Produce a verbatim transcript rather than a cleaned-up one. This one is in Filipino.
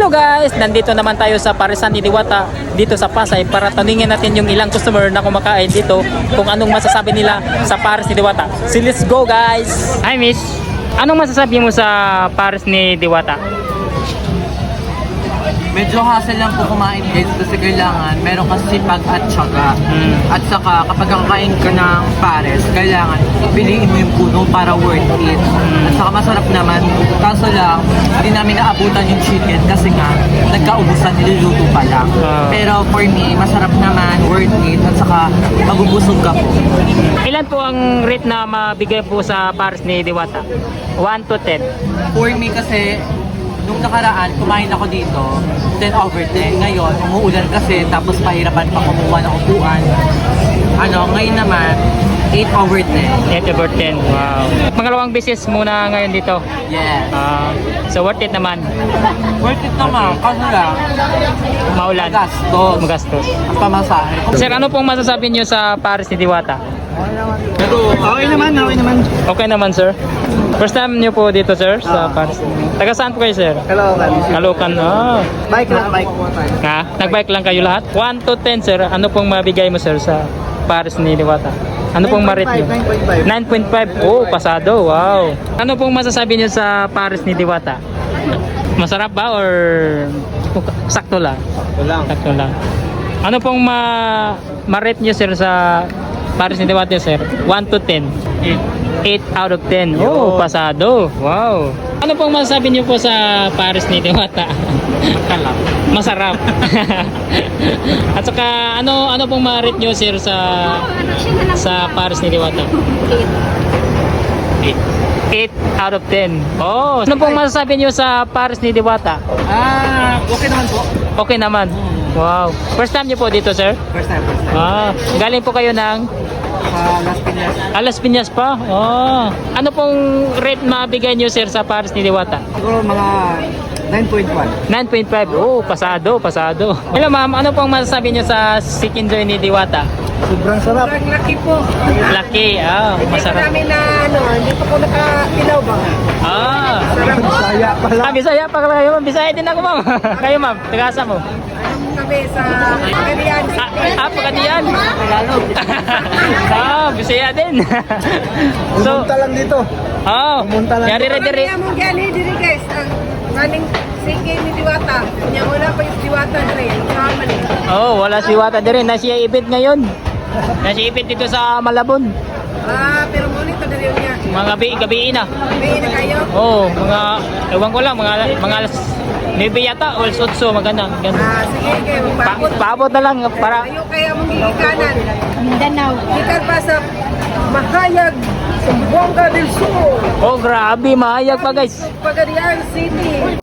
Hello guys! Nandito naman tayo sa Parisan ni Diwata dito sa Pasay para tanungin natin yung ilang customer na kumakain dito kung anong masasabi nila sa Paris ni Diwata. So let's go guys! Hi miss! Anong masasabi mo sa Paris ni Diwata? Medyo hassle lang po kumain guys kasi kailangan meron kasi sipag at syaga. Mm. At saka kapag kakain ka ng pares, kailangan piliin mo yung puno para worth it. Mm. At saka masarap naman. Kaso lang, hindi namin naabutan yung chicken kasi nga nagkaubusan, niluluto pa lang. Uh. Pero for me, masarap naman, worth it. At saka magubusog ka po. Ilan po ang rate na mabigay po sa Paris ni Diwata? one to ten. For me kasi, nung nakaraan, kumain ako dito, ten over ten. Ngayon, umuulan kasi, tapos pahirapan pa kumuha ng upuan. Ano, ngayon naman, eight over ten. eight over ten. Wow. Pangalawang beses muna ngayon dito. Yes. Ah, so worth it naman. Worth it naman, kasi lang, Maulan. gastos. Magastos. Ang pamasahe. Sir, ano pong masasabi niyo sa Paris ni Diwata? Pero, okay naman, okay naman. Okay naman, sir. First time niyo po dito, sir, sa Paris. Taga saan po kayo, sir? Hello, Caloocan. Ah. Bike lang, bike. Ha? Nag-bike lang kayo lahat? one to ten, sir. Ano pong mabigay mo, sir, sa Paris ni Diwata? Ano pong ma-rate niyo? nine point five. Oh, pasado. Wow. Ano pong masasabi niyo sa Paris ni Diwata? Masarap ba or sakto lang? Sakto lang. Sakto lang. Ano pong ma ma-rate niyo, sir, sa Paris ni Diwata, sir? one to ten. eight out of ten. Oh, pasado. Wow. Ano pong masasabi niyo po sa Paris ni Diwata? Masarap. At saka ano ano pong ma-rate niyo, sir, sa sa Paris ni Diwata? eight out of ten. Oh, ano pong masasabi niyo sa Paris ni Diwata? Ah, okay naman po. Okay naman. Wow. First time niyo po dito, sir? First time, first time. Ah, galing po kayo ng Sa Las Piñas. ah, Las Piñas pa? Oh. Ano pong rate mabigay niyo, sir, sa Paris ni Diwata? Siguro mga nine point one. nine point five. Oh, pasado, pasado. Hello, ma'am. Ano pong masasabi niyo sa Chicken Joy ni Diwata? Sobrang sarap. Sobrang laki po. Laki. Ah, Hindi pa masarap. namin na ano, hindi pa po nakatilaw ba? Ah. Saya pala. Ah, Bisaya pa kayo, ma'am. Bisaya din ako, ma'am. Kayo, ma'am. Tagasa mo. Anong kami sa Karian Ah, City? ah pagkadiyan. Ah, Bisaya din. So, Pumunta lang dito. oh. Pumunta lang. Yari re dire. Kaya mong gali diri guys, ang maning sige ni Diwata. Nya wala pa yung Diwata diri. Sama ni. Oh, wala si Diwata din. Nasa event ngayon. Nasa event dito sa Malabon. Ah, pero mo nito diri niya. Mga gabi, gabi na. May na kayo. Oh, mga, ewan ko lang, mga, mga alas maybe yata, o alas otso, maganda. Ganun. Ah, sige kayo Pa, magpaabot. paabot na lang para, Ayo kaya mong gigikanan. Mindanao. Gikan pa sa Mahayag, Zamboanga del Sur, oh grabe, mahayag pa guys. Pagadian City.